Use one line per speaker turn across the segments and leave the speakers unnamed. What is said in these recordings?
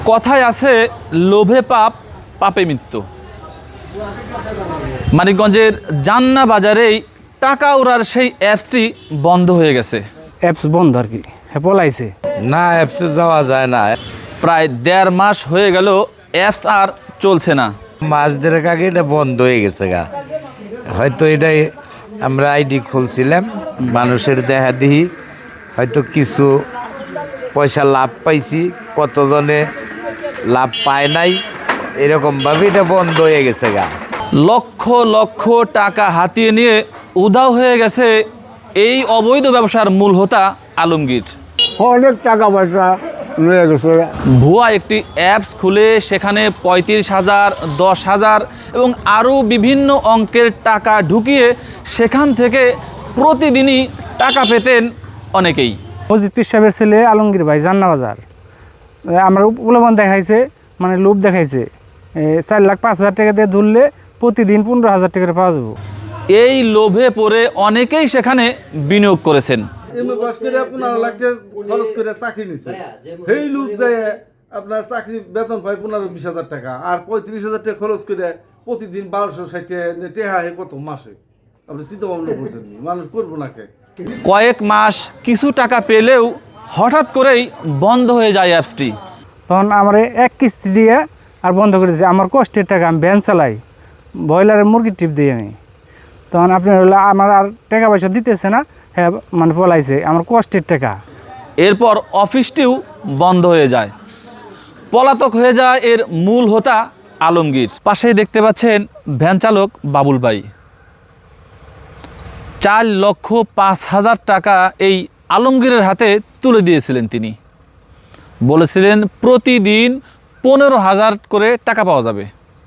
কথায় আছে লোভে পাপ, পাপে মৃত্যু। মানিকগঞ্জের জান্না বাজারেই টাকা ওড়ার সেই অ্যাপসটি বন্ধ হয়ে গেছে।
অ্যাপস বন্ধ আর কি, হ্যাঁ পলাইছে
না, অ্যাপসে যাওয়া যায় না।
প্রায় 1.5 মাস হয়ে গেল অ্যাপস আর চলছে না।
মাস দেড়েক আগে এটা বন্ধ হয়ে গেছে গা। হয়তো এটাই আমরা আইডি খুলছিলাম, মানুষের দেখা দিই হয়তো কিছু পয়সা লাভ পাইছি, কতজনে লাভ পায় নাই, এরকমভাবে এটা বন্ধ হয়ে গেছে গা।
লক্ষ লক্ষ টাকা হাতিয়ে নিয়ে উধাও হয়ে গেছে এই অবৈধ ব্যবসার মূল হোতা আলমগীর।
অনেক টাকা পয়সা নিয়ে গেছে।
ভুয়া একটি অ্যাপস খুলে সেখানে 35,000, 10,000 এবং আরও বিভিন্ন অঙ্কের টাকা ঢুকিয়ে সেখান থেকে প্রতিদিনই টাকা পেতেন অনেকেই।
মসজিদ পীর সাহেবের ছেলে আলমগীর ভাই জান্না বাজার, আমরা প্রলোভন দেখাইছে, মানে লোভ দেখাইছে 4,05,000 টাকা দিয়ে ধরলে প্রতিদিন 15,000 টাকা পাওয়া যাবো।
এই লোভে পড়ে অনেকেই সেখানে বিনিয়োগ করেছেন।
আপনার চাকরি বেতন পাই 15-20,000 টাকা, আর 35,000 টাকা খরচ করে প্রতিদিন 1260 টেহা কত মাসে? আপনি চিন্তা ভাবনা করছেন, মানুষ করবো না কে?
কয়েক মাস কিছু টাকা পেলেও হঠাৎ করেই বন্ধ হয়ে যায় অ্যাপসটি।
তখন আমার এক কিস্তি দিয়ে আর বন্ধ করে দিয়েছে। আমার কষ্টের টাকা, আমি ভ্যান চালাই, ব্রয়লারের মুরগির টিপ দিই আমি। তখন আপনি হলো আমার আর টাকা পয়সা দিতেছে না, হ্যাঁ মানে পলাইছে আমার কষ্টের টাকা।
এরপর অফিসটিও বন্ধ হয়ে যায়, পলাতক হয়ে যায় এর মূল হোতা আলমগীর। পাশেই দেখতে পাচ্ছেন ভ্যান চালক বাবুল ভাই। 4,05,000 টাকা এই আলমগীরের হাতে তুলে দিয়েছিলেন তিনি। বলেছিলেন প্রতিদিন 15,000 করে টাকা পাওয়া যাবে।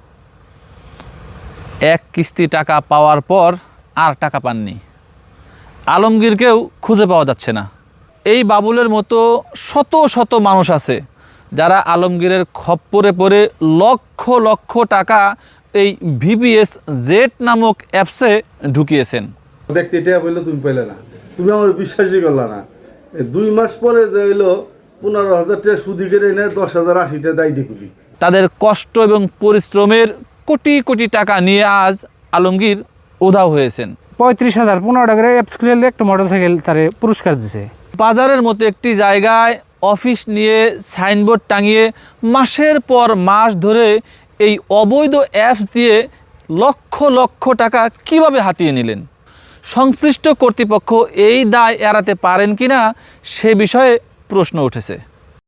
এক কিস্তি টাকা পাওয়ার পর আর টাকা পাননি। আলমগীরকেও খুঁজে পাওয়া যাচ্ছে না। এই বাবুলের মতো শত শত মানুষ আছে যারা আলমগীরের খপ্পরে পড়ে লক্ষ লক্ষ টাকা এই ভিপিএস জেট নামক অ্যাপসে ঢুকিয়েছেন।
ব্যক্তি এটা বললো তুমি পেলে না, তুমি আমার বিশ্বাসই করলা না। 2 মাস পরে যে হইলো 15,000 টাকা সুদি কেড়ে নেয়, 10,000, 80 টাকা দায়ী খুলি।
তাদের কষ্ট এবং পরিশ্রমের কোটি কোটি টাকা নিয়ে আজ আলমগীর উধাও হয়েছেন।
35,000 15 টাকা অ্যাপস খুলে একটা মোটরসাইকেল তারে পুরস্কার দিছে।
বাজারের মতো একটি জায়গায় অফিস নিয়ে সাইনবোর্ড টাঙিয়ে মাসের পর মাস ধরে এই অবৈধ অ্যাপস দিয়ে লক্ষ লক্ষ টাকা কিভাবে হাতিয়ে নিলেন? সংশ্লিষ্ট কর্তৃপক্ষ এই দায় এড়াতে পারেন কিনা সে বিষয়ে প্রশ্ন উঠেছে।